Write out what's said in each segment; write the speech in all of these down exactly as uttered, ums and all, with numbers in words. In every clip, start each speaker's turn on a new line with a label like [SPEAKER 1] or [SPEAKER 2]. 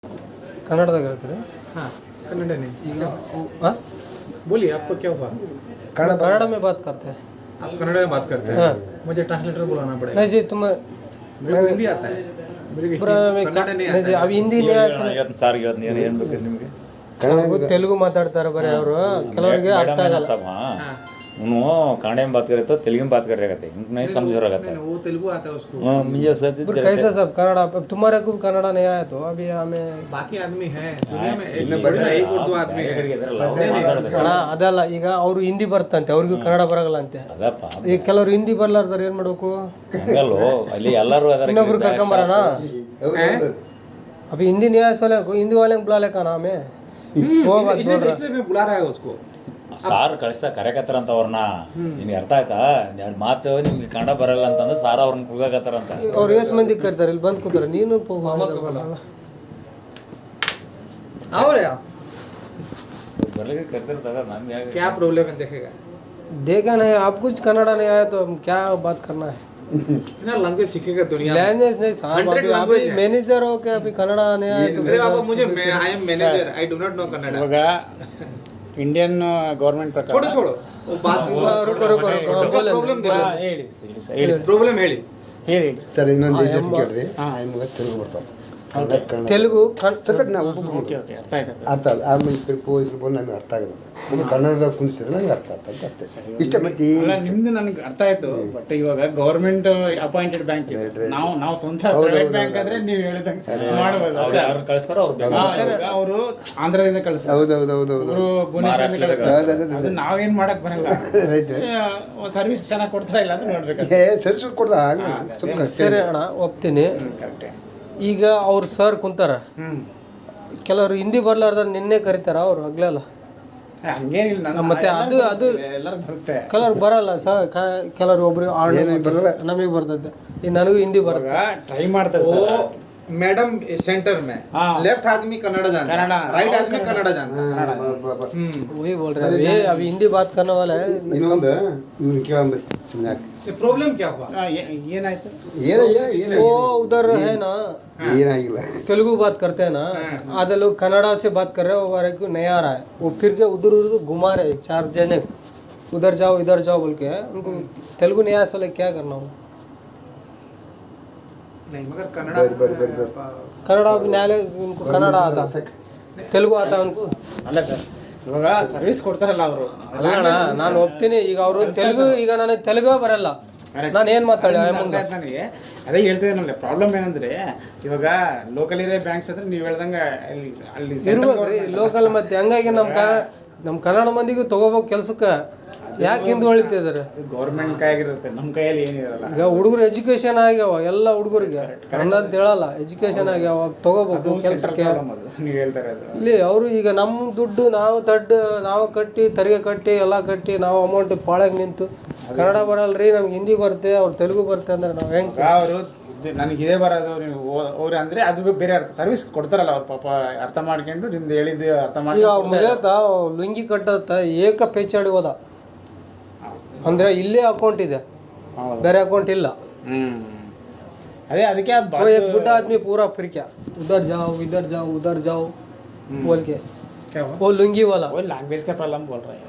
[SPEAKER 1] ಕನ್ನಡದಾಗ ಹೇಳ್ತೀರಿ?
[SPEAKER 2] हाँ कन्नड़ नहीं
[SPEAKER 1] ಈಗ हाँ
[SPEAKER 2] बोलिए आपको क्या हुआ
[SPEAKER 1] कन्नड़ कन्नड़ में बात करते हैं।
[SPEAKER 2] आप कन्नड़ में बात करते हैं
[SPEAKER 1] हाँ।
[SPEAKER 2] मुझे ट्रांसलेटर बुलाना पड़ेगा
[SPEAKER 1] नहीं जी तुम
[SPEAKER 2] मेरे को हिंदी आता है मेरे को
[SPEAKER 1] पूरा
[SPEAKER 2] हिंदी-
[SPEAKER 1] में
[SPEAKER 2] कन्नड़ नहीं
[SPEAKER 1] नहीं जी
[SPEAKER 2] आता
[SPEAKER 1] ಅವು ಹಿಂದಿ
[SPEAKER 3] ಇವತ್ತು ಸಾರ್ ಇವತ್ತು ಏನು ಏನು ಬೇಕು ನಿಮಗೆ
[SPEAKER 1] ಕನ್ನಡ ತೆಲುಗು ಮಾತಾಡ್ತಾರೆ ಬರೀ ಅವರು ಕೆಲವರಿಗೆ ಅರ್ಥ ಆಗಲ್ಲ।
[SPEAKER 3] सब हाँ
[SPEAKER 2] हाँ
[SPEAKER 3] उन्होंने कन्नड़ में बात करे तो तेलुगु में बात कर रहे थे इनको नहीं समझ रहा
[SPEAKER 2] नहीं, नहीं, वो तेलुगु आता है उसको
[SPEAKER 3] था मुझे सर
[SPEAKER 1] फिर कैसे सब कन्नड़ अब तुम्हारे को कन्नड़ नहीं आया तो अभी हमें
[SPEAKER 2] बाकी आदमी है दुनिया में एक थोड़ी ना एक उर्दू आदमी है
[SPEAKER 1] ಅಣ್ಣ ಅದಲ್ಲ ಈಗ ಅವರು ಹಿಂದಿ ಬರ್ತಂತೆ ಅವ್ರಿಗೂ ಕನ್ನಡ ಬರಲ್ಲ ಅಂತೆ
[SPEAKER 3] ಅದಪ್ಪ
[SPEAKER 1] ಈಗ ಕೆಲವ್ರು ಹಿಂದಿ ಬರ್ಲಾರ್ದಾರ ಏನ್ ಮಾಡ್ಬೇಕು?
[SPEAKER 3] ಹಂಗಲ್ಲೋ ಅಲ್ಲಿ ಎಲ್ಲರೂ ಅದರ
[SPEAKER 1] ಇನ್ನೊಬ್ರು ಕರ್ಕೊಂಬರೋಣ अभी हिंदी नहीं आया सोले को हिंदी वाले को बुला ले का नाम है वो बात बोल रहा
[SPEAKER 2] इसलिए मैं बुला रहा है उसको
[SPEAKER 3] ಸಾರ್ ಕಳಿಸ್ತಾ ಕರೆಕತ್ತಾರ ಅಂತ ಅವ್ರನ್ನ ನಿನ್ಗೆ ಅರ್ಥ ಆಯ್ತಾ ಯಾರ ಮಾತು ನಿಮ್ಗೆ ಕನ್ನಡ ಬರಲ್ಲ ಅಂತಂದ್ರೆ ಸಾರ್ ಅವ್ರನ್ನ ಕುಗಾಕತ್ತಾರ ಅಂತ
[SPEAKER 1] ಅವ್ರು ಎಷ್ಟು ಮಂದಿ ಕರ್ತಾರೆ ಇಲ್ಲಿ ಬಂದು ಕೂತಾರೆ ನೀನು
[SPEAKER 2] और यार
[SPEAKER 3] ಬರ್ಲಿಕ್ಕೆ ಕರ್ತಿರ್ತಾರ ನಮ್ಗೆ ಯಾಕೆ
[SPEAKER 2] क्या प्रॉब्लम है देखेगा
[SPEAKER 1] देखा नहीं आप कुछ कन्नड़ा नहीं आया तो हम क्या बात करना है?
[SPEAKER 2] ना लैंग्वेज सीखेगा दुनिया में
[SPEAKER 1] लैंग्वेज नहीं साहब
[SPEAKER 2] Hundred
[SPEAKER 1] अभी
[SPEAKER 2] language
[SPEAKER 1] अभी
[SPEAKER 2] है।
[SPEAKER 1] मैनेजर हो के अभी कन्नड़ा नहीं आया तो
[SPEAKER 2] अरे बाबा मुझे मैं I am manager I do not know Kannada
[SPEAKER 4] ಇವಾಗ ಇಂಡಿಯನ್ ಗೌರ್ಮೆಂಟ್ ಪ್ರಕಾರ
[SPEAKER 2] छोड़ो छोड़ो वो बात
[SPEAKER 1] रुको रुको रुको
[SPEAKER 2] उनका
[SPEAKER 1] बोले
[SPEAKER 2] प्रॉब्लम देखो
[SPEAKER 4] ಹಾ, ಹೇಳಿ ಹೇಳಿ ಸರ್, ಹೇಳಿ ಸರ್.
[SPEAKER 2] प्रॉब्लम ಹೇಳಿ
[SPEAKER 4] ಹೇಳಿ ಹೇಳಿ
[SPEAKER 5] ಸರ್ ಇನ್ನೊಂದು ಇದು ಕೇಳ್ರಿ ಆಮೇಲೆ ತೆಲುಗು ಬರ್ತಾವೆ ಕನ್ನಡ ಕನ್ನಡ
[SPEAKER 1] तेलुगु कन-
[SPEAKER 5] ಸರ್ ನಾವು
[SPEAKER 4] ಓಕೆ ಓಕೆ ಅರ್ಥ ಆಯ್ತು
[SPEAKER 5] ಅರ್ಥ ಅಲ್ಲ ಆಮೇಲೆ ಈ ಕಡೆ ಪೋ ಇದ್ರ ಬಂದು ನಮಗೆ ಅರ್ಥ ಆಗೋದು ಒಬ್ಬರು ಕನ್ನಡದಾಗ ಕುಣಿಸಿದ್ರೆ ನನಗೆ ಅರ್ಥ ಆಗ್ತದೆ ಅಷ್ಟೇ ಇಷ್ಟ ಮತ್ತೆ
[SPEAKER 4] ಅಲ್ಲ ನಿಮ್ದು ನನಗೆ ಅರ್ಥ ಆಯ್ತು ಬಟ್ ಇವಾಗ ಗೌರ್ಮೆಂಟ್ ಅಪಾಯಿಂಟೆಡ್ ಬ್ಯಾಂಕ್ ನಾವು ನಾವು ಸ್ವಂತ ಪ್ರೈವೇಟ್ ಬ್ಯಾಂಕ್ ಆದ್ರೆ ನೀವು ಹೇಳಿದಂಗೆ ಮಾಡ್ಬೋದು ಅಷ್ಟೇ.
[SPEAKER 3] ಅವ್ರನ್ನ ಕಳಿಸ್ತಾರ ಅವ್ರು
[SPEAKER 4] ಹಾ, ಇವಾಗ ಅವರು ಆಂಧ್ರದಿಂದ ಕಳಿಸ್ತಾರೆ
[SPEAKER 5] ಹೌದು ಹೌದು ಹೌದು ಹೌದು
[SPEAKER 4] ಅವರು ಭುವನೇಶ್ವರದಿಂದ ಕಳಿಸ್ತಾರೆ
[SPEAKER 5] ಹೌದು, ಹೌದು,
[SPEAKER 4] ಅದು ನಾವೇನ್ ಮಾಡಕ್ ಬರಲ್ಲ
[SPEAKER 5] ರೈಟ್
[SPEAKER 4] ಸರ್ವಿಸ್ ಚೆನ್ನಾಗಿ ಕೊಡ್ತಾರ ಇಲ್ಲ ಅಂತ ನೋಡ್ಬೇಕು
[SPEAKER 5] ಏ ಸರ್ಸ್ ಕೊಡ್ದ ಆಗಲಿ ಸುಮ್ಮನೆ
[SPEAKER 1] ಸರಿ ಅಣ್ಣ ಒಪ್ತೀನಿ. ಈಗ ಅವ್ರು ಸರ್ ಕುಂತಾರ
[SPEAKER 4] ಹ್ಮ್
[SPEAKER 1] ಕೆಲವರು ಹಿಂದಿ ಬರ್ಲಾರ್ದ ನಿನ್ನೆ ಕರೀತಾರ ಅವ್ರು ಆಗ್ಲಲ್ಲ
[SPEAKER 4] ಹಂಗೇನಿಲ್ಲ ನನ್ನ-
[SPEAKER 1] ಮತ್ತೆ ಅದು ಅದು
[SPEAKER 4] ಎಲ್ಲರಿಗೂ ಬರುತ್ತೆ
[SPEAKER 1] ಕೆಲವ್ರು ಬರಲ್ಲ ಸರ್ ಕೆಲವ್ರು ಒಬ್ರು
[SPEAKER 5] ಏನೇನು ಬರಲ್ಲ
[SPEAKER 1] ನಮಗೆ ಬರ್ತೈತೆ ಈಗ ನನಗೂ ಹಿಂದಿ ಬರುತ್ತೆ
[SPEAKER 4] ಟ್ರೈ ಮಾಡ್ತಾರೆ
[SPEAKER 2] वो
[SPEAKER 4] ಸರ್
[SPEAKER 2] मैडम सेंटर में
[SPEAKER 4] हाँ।
[SPEAKER 2] लेफ्ट आदमी कन्नड़ जानता
[SPEAKER 4] कन्नड़ा।
[SPEAKER 2] है राइट आदमी कन्नड़ जानता है हम्म
[SPEAKER 1] वही बोल रहे हैं अभी अभी हिंदी बात करने वाला है।
[SPEAKER 5] ಇನ್ನೊಂದು ಇವ್ನು ಕೇಳಂಬರಿ ಸುಮ್ಮನೆ ಯಾಕೆ
[SPEAKER 2] ये प्रॉब्लम क्या हुआ
[SPEAKER 4] ಆ, ಏ- ಏನಾಯ್ತು
[SPEAKER 5] ಏನ ಏನ
[SPEAKER 1] वो उधर है ना
[SPEAKER 5] ಏನಾಗಿಲ್ಲ
[SPEAKER 1] तेलुगु बात करते हैं ना आधे लोग कन्नड़ा से बात कर रहे हैं वो हमारे को नहीं आ रहा है वो फिर के उधर उधर घुमा रहे हैं चार जने उधर जाओ इधर जाओ बोल के उनको तेलुगु नहीं आया सोले क्या करना हो
[SPEAKER 2] नहीं मगर कन्नड़ा
[SPEAKER 5] बर बर बर बर
[SPEAKER 1] कन्नड़ा भी न्यायालय उनको कन्नड़ा आता तेलुगु आता है उनको
[SPEAKER 4] ಅಲ್ಲ ಸರ್ ಇವಾಗ ಸರ್ವಿಸ್ ಕೊಡ್ತಾರಲ್ಲ ಅವರು
[SPEAKER 1] ಅಲ್ಲ ಅಣ್ಣ ನಾನು ಒಪ್ತೀನಿ ಈಗ ಅವರು ತೆಲುಗು ಈಗ ನನಗೆ ತೆಲುಗು ಬರಲ್ಲ ನಾನು ಏನು ಮಾತಾಡಿ ಮುಂದೆ
[SPEAKER 4] ನನಗೆ ಅದೇ ಹೇಳ್ತಿದ್ದೆ ನಮಗೆ ಪ್ರಾಬ್ಲಮ್ ಏನಂದ್ರೆ ಇವಾಗ ಲೋಕಲ್ ಏರಿಯಾ ಬ್ಯಾಂಕ್ಸ್ ಹತ್ರ ನೀವು ಹೇಳ್ದಂಗೆ ಅಲ್ಲಿ ಅಲ್ಲಿ
[SPEAKER 1] ಇರ್ಬೇಕ್ರಿ ಲೋಕಲ್ ಮತ್ತೆ ಹಂಗಾಗಿ ನಮ್ಮ ಕನ್ನಡ ನಮ್ಮ ಕನ್ನಡ ಮಂದಿಗೂ ತಗೋಬೇಕು ಕೆಲ್ಸಕ್ಕೆ ಯಾಕೆ ಹಿಂದೆ ಹೊಳಿತಿದ್ದಾರೆ?
[SPEAKER 4] ಗೌರ್ಮೆಂಟ್ ಕೈಯಾಗಿರುತ್ತೆ ನಮ್ಮ ಕೈಯಲ್ಲಿ ಏನಿರಲ್ಲ.
[SPEAKER 1] ಈಗ ಹುಡುಗರು ಎಜುಕೇಶನ್ ಆಗ್ಯಾವ ಎಲ್ಲ ಹುಡುಗರಿಗೆ ಕನ್ನಡ ಅಂತ ಹೇಳಲ್ಲ ಎಜುಕೇಶನ್ ಆಗ್ಯಾವ ತಗೋಬೇಕು ಕೆಲಸಕ್ಕೆ
[SPEAKER 4] ನೀವು ಹೇಳ್ತಾರೆ ಅದು
[SPEAKER 1] ಇಲ್ಲಿ ಅವರು ಈಗ ನಮ್ಮ ದುಡ್ಡು ನಾವು ತಡ್ಡು ನಾವು ಕಟ್ಟಿ ತೆರಿಗೆ ಕಟ್ಟಿ ಎಲ್ಲ ಕಟ್ಟಿ ನಾವು ಅಮೌಂಟ್ ಪಾಳಾಗಿ ನಿಂತು ಕನ್ನಡ ಬರಲ್ರಿ ನಮ್ಗೆ ಹಿಂದಿ ಬರುತ್ತೆ ಅವ್ರು ತೆಲುಗು ಬರುತ್ತೆ ಅಂದ್ರೆ ನಾವು ಹೆಂಗೆ
[SPEAKER 4] ಅವರು ನನಗೆ ಇದೇ ಬರೋದು ನೀವು ಅವ್ರು ಅಂದ್ರೆ ಅದು ಬೇರೆ ಅರ್ಥ ಸರ್ವಿಸ್ ಕೊಡ್ತಾರಲ್ಲ ಅವ್ರು ಪಾಪ ಅರ್ಥ ಮಾಡ್ಕೊಂಡು ನಿಮ್ದು ಹೇಳಿದ್ದು ಅರ್ಥ
[SPEAKER 1] ಈಗ
[SPEAKER 4] ಮಾಡಿ
[SPEAKER 1] ಅವ್ರ ಮುಗಿಯತ್ತ ಲುಂಗಿ ಕಟ್ಟತ್ತ ಏಕ ಪೇಚಾಡಿ ಹೋದ ಅಂದ್ರೆ ಇಲ್ಲೇ ಅಕೌಂಟ್ ಇದೆ ಬೇರೆ ಅಕೌಂಟ್ ಇಲ್ಲ
[SPEAKER 4] ಹ್ಮ್ ಅದೇ ಅದಕ್ಕೆ ಅದು
[SPEAKER 1] वो एक बुढ़ा आदमी पूरा फिर क्या उधर जाओ इधर जाओ उधर जाओ बोल के
[SPEAKER 2] क्या हुआ
[SPEAKER 1] वो लुंगी वाला
[SPEAKER 4] वो लैंग्वेज का प्रॉब्लम बोल रहे हैं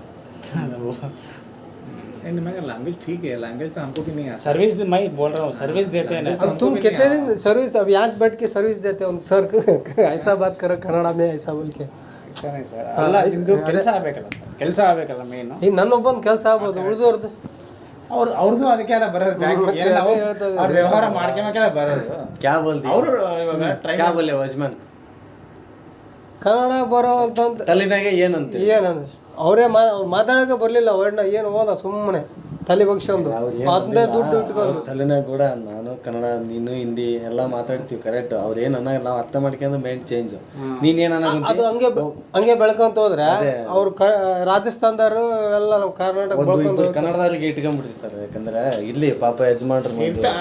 [SPEAKER 2] नहीं मगर लैंग्वेज ठीक है लैंग्वेज तो हमको भी नहीं आता
[SPEAKER 4] सर्विस मैं बोल रहा हूँ सर्विस देते हैं ना
[SPEAKER 1] अब तुम कितने दिन सर्विस अब यहाँ बैठ के सर्विस देते हो सर ऐसा बात करो कन्नड़ा में ऐसा बोल के
[SPEAKER 4] ऐसा नहीं सर ಅಲ್ಲ ಇದು ಕೆಲಸ ಆಗಬೇಕಲ್ಲ ಕೆಲಸ ಆಗಬೇಕಲ್ಲ ಮೇನು
[SPEAKER 1] ಈಗ ನನ್ನೊಬ್ಬನ ಕೆಲಸ ಆಗ್ಬೋದು ಉಳಿದವ್ರದ್ದು
[SPEAKER 4] ಅವ್ರು ಅವ್ರದ್ದು ಅದಕ್ಕೆಲ್ಲ ಬರೋದು ಬ್ಯಾಂಕ್
[SPEAKER 1] ಮತ್ತೆ
[SPEAKER 4] ಏನು ನಾವು
[SPEAKER 1] ಅದೇ ಹೇಳ್ತಾ ಇದ್ದೀನಿ.
[SPEAKER 4] ಅವ್ರ ವ್ಯವಹಾರ ಮಾಡ್ಕೊಂಬೇಕೆಲ್ಲ ಬರೋದು
[SPEAKER 6] क्या बोल दिया
[SPEAKER 4] ಅವರು ಇವಾಗ ಟ್ರೈ
[SPEAKER 6] क्या बोले वजमन
[SPEAKER 1] ಕನ್ನಡ ಬರೋ ಅಂತಂತ
[SPEAKER 6] ತಲೆನಾಗೆ ಏನಂತೆ
[SPEAKER 1] ಏನಂದ್ರೆ ಅವರೇ ಮಾ ಅವ್ರು ಮಾತಾಡೋಕೆ ಬರಲಿಲ್ಲ ವರ್ಣ ಏನು ಹೋದ ಸುಮ್ಮನೆ ತಲೆ ಬಗ್ಸ್ಕೊಂಡು ಅದನ್ನೇ ದುಡ್ಡು ಇಟ್ಕೊಂಡು
[SPEAKER 6] ತಲೆನಾಗ ಕೂಡ ನಾನು ಕನ್ನಡ ನೀನು ಹಿಂದಿ ಎಲ್ಲ ಮಾತಾಡ್ತೀವಿ ಕರೆಕ್ಟ್ ಅವ್ರು ಏನು ಅನ್ನೋ ನಾವು ಅರ್ಥ ಮಾಡ್ಕೊಂಡು ಮೈಂಡ್ ಚೇಂಜ್ ನೀನೇನು
[SPEAKER 1] ಅದು ಹಂಗೆ ಹಂಗೆ ಬೆಳ್ಕೊಂತ ಹೋದ್ರೆ ಅವ್ರು ಕ ರಾಜಸ್ಥಾನದವರು ಎಲ್ಲ ನಾವು ಕರ್ನಾಟಕ ಬೆಳ್ಕೊಂಡು
[SPEAKER 6] ಕನ್ನಡದವ್ರಿಗೆ ಇಟ್ಕೊಂಡ್ಬಿಡ್ತೀವಿ ಸರ್ ಯಾಕಂದ್ರೆ ಇಲ್ಲಿ ಪಾಪ ಯಜಮಾನ್ರು